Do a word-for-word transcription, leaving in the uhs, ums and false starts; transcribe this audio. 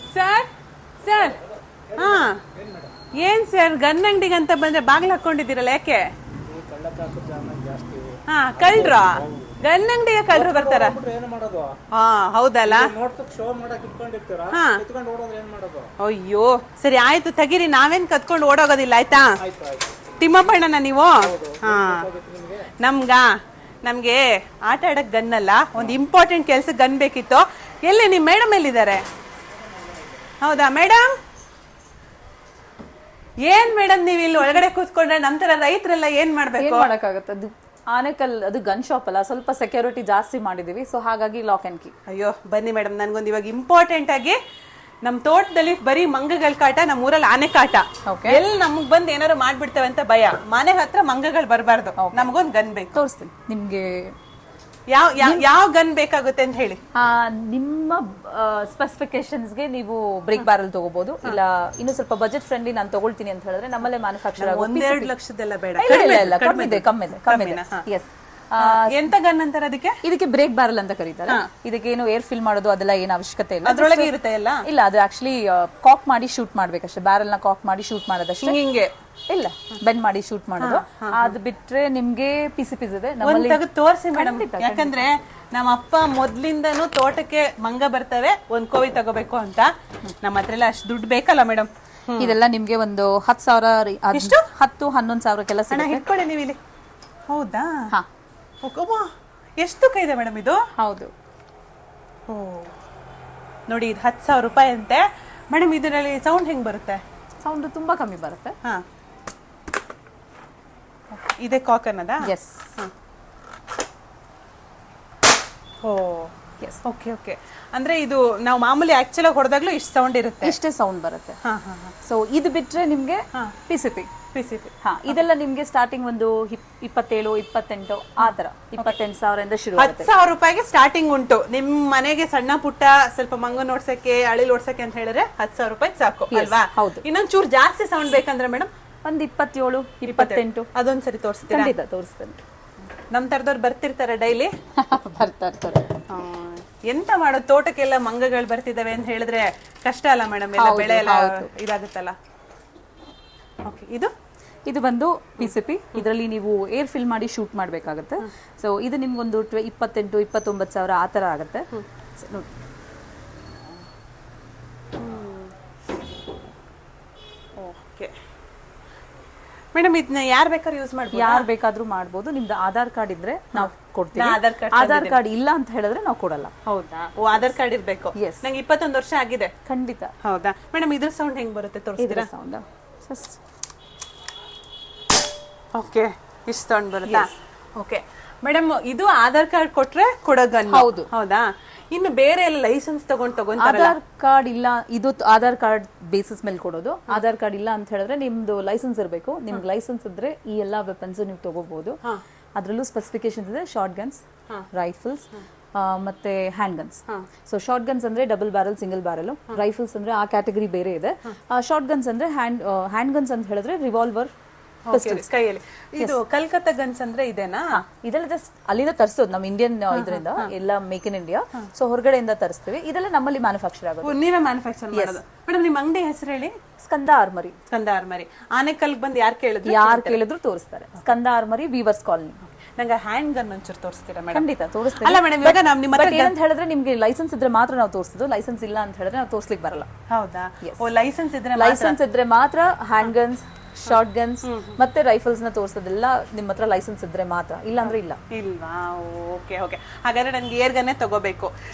Sir sir ಹಾ ಏನ್ sir gun ಅಂಗಡಿಗೆ ಅಂತ ಬಂದ್ರೆ ಬಾಗ್ಲು ಹಾಕೊಂಡಿದ್ದೀರಲ್ಲ ಯಾಕೆ? ಹಾ ಕಳ್ರ ಗನ್ ಅಂಗಡಿಗೆ ಕಳ್ರು ಬರ್ತಾರ? ಹಾ ಹೌದಲ್ಲ. ಹಾ ಅಯ್ಯೋ ಸರಿ ಆಯ್ತು ತೆಗೀರಿ, ನಾವೇನ್ ಕತ್ಕೊಂಡು ಓಡೋಗೋದಿಲ್ಲ ಆಯ್ತಾ? ತಿಮ್ಮಪ್ಪಣ್ಣನ ನೀವು? ಹಾ ನಮ್ಗ ನಮ್ಗೆ ಆಟ ಆಡಕ್ ಗನ್ ಅಲ್ಲ, ಒಂದು ಇಂಪಾರ್ಟೆಂಟ್ ಕೆಲ್ಸ ಗನ್ ಬೇಕಿತ್ತು. ಎಲ್ಲಿ ನಿಮ್ ಮೇಡಮ್ ಎಲ್ಲಿದ್ದಾರೆ? ಹೌದಾ ಮೇಡಮ್? ಏನ್ ಮೇಡಮ್ ನೀವ್ ಇಲ್ಲಿ ಒಳಗಡೆ ಕೂತ್ಕೊಂಡ್ರೆ ನಮ್ ತರ ರೈತರೆಲ್ಲ ಏನ್ ಮಾಡ್ಬೇಕು? ಮಾಡಕ್ಕಾಗತ್ತೆ, ಅದು ಆನೆಕಲ್ ಅದು ಗನ್ ಶಾಪ್ ಅಲ್ಲ, ಸ್ವಲ್ಪ ಸೆಕ್ಯೂರಿಟಿ ಜಾಸ್ತಿ ಮಾಡಿದೀವಿ, ಸೊ ಹಾಗಾಗಿ ಲಾಕ್ ಅಂಡ್ ಕೀ. ಅಯ್ಯೋ ಬನ್ನಿ ಮೇಡಮ್, ನನ್ಗೊಂದು ಇವಾಗ ಇಂಪಾರ್ಟೆಂಟ್ ಆಗಿ ನಮ್ ತೋಟದಲ್ಲಿ ಬರೀ ಮಂಗಗಳ ಕಾಟ, ನಮ್ ಊರಲ್ಲಿ ಆನೆ ಕಾಟ. ಎಲ್ಲಿ ನಮಗ್ ಬಂದ್ ಏನಾರು ಮಾಡ್ಬಿಡ್ತೇವೆ ಅಂತ ಭಯ. ಮನೆ ಹತ್ರ ಮಂಗಗಳು ಬರಬಾರ್ದು, ನಮಗೊಂದ್ ಗನ್ ಬೇಕು. ತೋರಿಸ್ತೀನಿ ನಿಮ್ಗೆ. ಯಾವ ಯಾವ ಗನ್ ಬೇಕಾಗುತ್ತೆ ಅಂತ ಹೇಳಿ. ನಿಮ್ಮ ಸ್ಪೆಸಿಫಿಕೇಶನ್ಸ್ಗೆ ನೀವು ಬ್ರೇಕ್ ಬ್ಯಾರಲ್ ತಗೋಬಹುದು, ಇಲ್ಲ ಇನ್ನು ಸ್ವಲ್ಪ ಬಜೆಟ್ ಫ್ರೆಂಡ್ಲಿ ನಾನು ತಗೊಳ್ತೀನಿ ಅಂತ ಹೇಳಿದ್ರೆ ನಮ್ಮಲ್ಲೇ ಮ್ಯಾನುಫ್ಯಾಕ್ಚರ್ ಆಗೋ ಒಂದೆರಡು ಲಕ್ಷದೆಲ್ಲ ಬೇಡ, ಕಮ್ಮಿದೆ ಕಮ್ಮಿದೆ ಕಮ್ಮಿದೆ. ಎಸ್. ಎಂತ ಗನ್ ಅಂತಾರೆ ಅದಕ್ಕೆ? ಇದಕ್ಕೆ ಬ್ರೇಕ್ ಬ್ಯಾರಲ್ ಅಂತ ಕರೀತಾರೆ. ಇದಕ್ಕೆ ಏನು ಏರ್ ಫಿಲ್ ಮಾಡೋದು ಅದೆಲ್ಲ ಏನು ಅವಶ್ಯಕತೆ ಇಲ್ಲ, ಅದ್ರೊಳಗೆ ಇರುತ್ತೆ ಎಲ್ಲ. ಇಲ್ಲ, ಅದು ಆಕ್ಚುಲಿ ಕಾಕ್ ಮಾಡಿ ಶೂಟ್ ಮಾಡ್ಬೇಕಷ್ಟೇ, ಬ್ಯಾರಲ್ ನ ಕಾಕ್ ಮಾಡಿ ಶೂಟ್ ಮಾಡೋದಷ್ಟೇ. ಹಿಂಗೆ ಇಲ್ಲ, ಬೆಂಡ್ ಮಾಡಿ ಶೂಟ್ ಮಾಡೋದು. ಅದ್ ಬಿಟ್ರೆ ನಿಮ್ಗೆ ಪಿಸಿ ಪಿಸ್ ಇದೆ ನಮ್ಮಲ್ಲಿ. ತೋರಿಸಿ ಮೇಡಮ್, ಯಾಕಂದ್ರೆ ನಮ್ಮ ಅಪ್ಪ ಮೊದ್ಲಿಂದನೂ ತೋಟಕ್ಕೆ ಮಂಗ ಬರ್ತವೆ, ಒಂದ್ ಕೋವಿ ತಗೋಬೇಕು ಅಂತ. ನಮ್ಮ ಹತ್ರ ಎಲ್ಲ ಅಷ್ಟು ದುಡ್ಡು ಬೇಕಲ್ಲ ಮೇಡಮ್. ಇದೆಲ್ಲ ನಿಮ್ಗೆ ಒಂದು ಹತ್ತು ಸಾವಿರ, ಎಷ್ಟು? ಹತ್ತು ಹನ್ನೊಂದು ಸಾವಿರ ಕೆಲಸ ಇಟ್ಕೊಳ್ಳಿ ನೀವು ಇಲ್ಲಿ. ಹೌದಾ? ಹಾ. ಎಷ್ಟು ತೂಕ ಇದೆ ಮೇಡಮ್ ಇದು? ಹೌದು. ಓ ನೋಡಿ, ಇದು ಹತ್ತು ಸಾವಿರ ರೂಪಾಯಿ ಅಂತೆ ಮೇಡಮ್. ಇದರಲ್ಲಿ ಸೌಂಡ್ ಹೆಂಗ್ ಬರುತ್ತೆ? ಸೌಂಡ್ ತುಂಬಾ ಕಮ್ಮಿ ಬರುತ್ತೆ. ಹಾ, ಇದೆ ಕಾಕ್ ಅನ್ನೋದ? Yes. Oh yes, okay okay. ಅಂದ್ರೆ ಇದು ನಾವು ಮಾಮೂಲಿ ಆಕ್ಚುಲ್ ಆಗಿ ಹೊಡೆದಾಗ್ಲೂ ಇಷ್ಟು ಸೌಂಡ್ ಇರುತ್ತೆ, ಇಷ್ಟೇ ಸೌಂಡ್ ಬರುತ್ತೆ. ಹಾ ಹಾ ಹಾ. ಸೊ ಇದು ಬಿಟ್ರೆ ನಿಮ್ಗೆ ಪಿಸಿಪಿ ಪಿಸಿಪಿ ಹಾ, ಇದೆಲ್ಲ ನಿಮ್ಗೆ ಸ್ಟಾರ್ಟಿಂಗ್ ಒಂದು ಇಪ್ಪತ್ತೇಳು ಇಪ್ಪತ್ತೆಂಟು ಆ ತರ ಇಪ್ಪತ್ತೆಂಟು ಸಾವಿರದಿಂದ ಶುರು. ಹತ್ತು ಸಾವಿರ ರೂಪಾಯಿಗೆ ಸ್ಟಾರ್ಟಿಂಗ್ ಉಂಟು. ನಿಮ್ ಮನೆಗೆ ಸಣ್ಣ ಪುಟ್ಟ ಸ್ವಲ್ಪ ಮಂಗನ್ ಓಡ್ಸಕ್ಕೆ, ಅಳಿಲ್ ಓಡ್ಸಕ್ಕೆ ಅಂತ ಹೇಳಿದ್ರೆ ಹತ್ತು ಸಾವಿರ ರೂಪಾಯಿ ಸಾಕು ಅಲ್ವಾ? ಹೌದು. ಇನ್ನೊಂದ್ ಚೂರ್ ಜಾಸ್ತಿ ಸೌಂಡ್ ಬೇಕಂದ್ರೆ ಮೇಡಮ್ ಒಂದ್ ಇಪ್ಪತ್ತೇಳು ಇಪ್ಪತ್ತೆಂಟು ಅದೊಂದ್ಸರಿ ತೋರಿಸ್ತೀರಾ? ಖಂಡಿತ ತೋರಿಸ್ತೇನೆ. ನಮ್ ತರದವ್ರು ಬರ್ತಿರ್ತಾರೆ ಡೈಲಿ? ಬರ್ತಾ ಇರ್ತಾರೆ. ಎಂತ ಮಾಡೋದು, ತೋಟಕ್ಕೆಲ್ಲ ಮಂಗಗಳು ಬರ್ತಿದಾವೆ ಅಂತ ಹೇಳಿದ್ರೆ ಕಷ್ಟ ಅಲ್ಲ ಮೇಡಮ್, ಎಲ್ಲ ಬೆಳೆ ಎಲ್ಲ ಇದಾಗುತ್ತಲ್ಲ. ಓಕೆ, ಇದು ಇದು ಬಂದು ಪಿಸಿಪಿ. ಇದರಲ್ಲಿ ನೀವು ಏರ್ ಫಿಲ್ ಮಾಡಿ ಶೂಟ್ ಮಾಡ್ಬೇಕಾಗತ್ತೆ. ಸೊ ಇದು ನಿಮ್ಗೊಂದು ಇಪ್ಪತ್ತೆಂಟು ಇಪ್ಪತ್ತೊಂಬತ್ತು ಸಾವಿರ ಆ ತರ ಆಗುತ್ತೆ. ನೋಡಿ, ಓಕೆ ಮೇಡಮ್, ಇದನ್ನ ಯಾರು ಬೇಕಾದ್ರೂ ಯೂಸ್ ಮಾಡ್ಬೋದು? ಯಾರು ಬೇಕಾದ್ರೂ ಮಾಡ್ಬೋದು. ನಿಮ್ದು ಆಧಾರ್ ಕಾರ್ಡ್ ಇದ್ರೆ ನಾವು ಕೊಡ್ತೀವಿ. ಆಧಾರ್ ಕಾರ್ಡ್ ಇಲ್ಲ ಅಂತ ಹೇಳಿದ್ರೆ ನಾವು ಕೊಡಲ್ಲ. ಹೌದಾ? ಓ, ಆಧಾರ್ ಕಾರ್ಡ್ ಇರ್ಬೇಕು. ಎಸ್. ನಂಗೆ ಇಪ್ಪತ್ತೊಂದು ವರ್ಷ ಆಗಿದೆ. ಖಂಡಿತ. ಹೌದಾ ಮೇಡಮ್? ಇದ್ರ ಸೌಂಡ್ ಹೆಂಗ್ ಬರುತ್ತೆ ತೋರಿಸ್ತೀರಾ? ಸೌಂಡ್ ಓಕೆ, ಇಷ್ಟು ಸೌಂಡ್ ಬರುತ್ತಾ? ಓಕೆ ಮೇಡಮ್, ಇದು ಆಧಾರ್ ಕಾರ್ಡ್ ಕೊಟ್ರೆ ಕೊಡೋ ಗನ್? ಹೌದು. ಹೌದಾ? ಇನ್ನು ಬೇರೆ ಎಲ್ಲ ಲೈಸೆನ್ಸ್ ತಗೊಂಡ್ ತಗೊಂತಾರಲ್ಲ? ಆಧಾರ್ ಕಾರ್ಡ್ ಇಲ್ಲ, ಇದು ಆಧಾರ್ ಕಾರ್ಡ್ ಬೇಸಿಸ್ ಮೇಲೆ ಕೊಡೋದು. ಆಧಾರ್ ಕಾರ್ಡ್ ಇಲ್ಲ ಅಂತ ಹೇಳಿದ್ರೆ ನಿಮ್ದು ಲೈಸೆನ್ಸ್ ಇರಬೇಕು. ನಿಮ್ಗೆ ಲೈಸೆನ್ಸ್ ಇದ್ರೆ ಈ ಎಲ್ಲಾ ವೆಪನ್ಸ್ ನೀವು ತಗೋಬಹುದು. ಅದ್ರಲ್ಲೂ ಸ್ಪೆಸಿಫಿಕೇಶನ್ಸ್ ಇದೆ: ಶಾರ್ಟ್ ಗನ್ಸ್, ರೈಫಲ್ಸ್, ಮತ್ತೆ hand guns. So short guns ಅಂದ್ರೆ double barrel, single barrel. Rifles ಅಂದ್ರೆ ಆ ಕ್ಯಾಟಗರಿ ಬೇರೆ ಇದೆ. ಶಾರ್ಟ್ ಗನ್ಸ್ ಅಂದ್ರೆ ಹ್ಯಾಂಡ್ ಹ್ಯಾಂಡ್ ಗನ್ಸ್ ಅಂತ ಹೇಳಿದ್ರೆ ರಿವಾಲ್ವರ್, ಕೈಯಲ್ಲಿ. ಇದು ಕಲ್ಕತ್ತಾ ಗನ್ಸ್ ಅಂದ್ರೆ ಇದೇನಾ? ಇದೆಲ್ಲ ಜಸ್ಟ್ ಅಲ್ಲಿಂದ ತರಿಸೋದು, ನಮ್ಮ ಇಂಡಿಯನ್ ಇದರಿಂದ ಎಲ್ಲ ಮೇಕ್ ಇನ್ ಇಂಡಿಯಾ. ಸೊ ಹೊರಗಡೆಯಿಂದ ತರಿಸ್ತೀವಿ. ಇದೆಲ್ಲ ನಮ್ಮಲ್ಲಿ ಮ್ಯಾನುಫ್ಯಾಕ್ಚರ್ ಆಗೋದು. ನೀವೇ ಮ್ಯಾನುಫ್ಯಾಕ್ಚರ್ ಮಾಡೋದು? ಮೇಡಮ್, ನಿಮ್ಮ ಅಂಗಡಿ ಹೆಸರು ಹೇಳಿ. ಸ್ಕಂದ ಆರ್ಮರಿ. ಸ್ಕಂದ ಆರ್ಮರಿ. ಆನೆಕಲ್ ಬಂದು ಯಾರು ಕೇಳಿದ್ರು? ಯಾರು ಕೇಳಿದ್ರು ತೋರಿಸ್ತಾರೆ. Skanda armoury, weavers colony. ನಂಗೆ ಹ್ಯಾಂಡ್ ಗನ್ ಒಂಚೂರು ತೋರಿಸ್ತೀರಾ ಮೇಡಮ್? ಖಂಡಿತ ತೋರಿಸ್ತೀನಿ. ಅಲ್ಲ ಮೇಡಮ್, ಇವಾಗ ನಮ್ಮ ನಿಮ್ಮ ಹತ್ರ ಏನಂತ ಹೇಳಿದ್ರೆ ನಿಮ್ಗೆ ಲೈಸೆನ್ಸ್ ಇದ್ರೆ ಮಾತ್ರ ನಾವು ತೋರಿಸೋದು. ಲೈಸೆನ್ಸ್ ಇಲ್ಲ ಅಂತ ಹೇಳಿದ್ರೆ ನಾವು ತೋರಿಸ್ಲಿಕ್ಕೆ ಬರಲ್ಲ. ಹೌದಾ? ಓ, ಲೈಸೆನ್ಸ್ ಇದ್ರೆ ಲೈಸೆನ್ಸ್ ಇದ್ರೆ ಮಾತ್ರ ಹ್ಯಾಂಡ್ ಗನ್ಸ್, ಶಾರ್ಟ್ ಗನ್ಸ್ ಮತ್ತೆ ರೈಫಲ್ಸ್ ನ ತೋರಿಸೋದೆಲ್ಲ ನಿಮ್ಮ ಹತ್ರ ಲೈಸೆನ್ಸ್ ಇದ್ರೆ ಮಾತ್ರ, ಇಲ್ಲ ಅಂದ್ರೆ ಇಲ್ಲ. ಇಲ್ವಾ? Okay okay. ಹಾಗಾದ್ರೆ ನನ್ಗೆ ಏರ್ ಗನ್ನೇ ತಗೋಬೇಕು.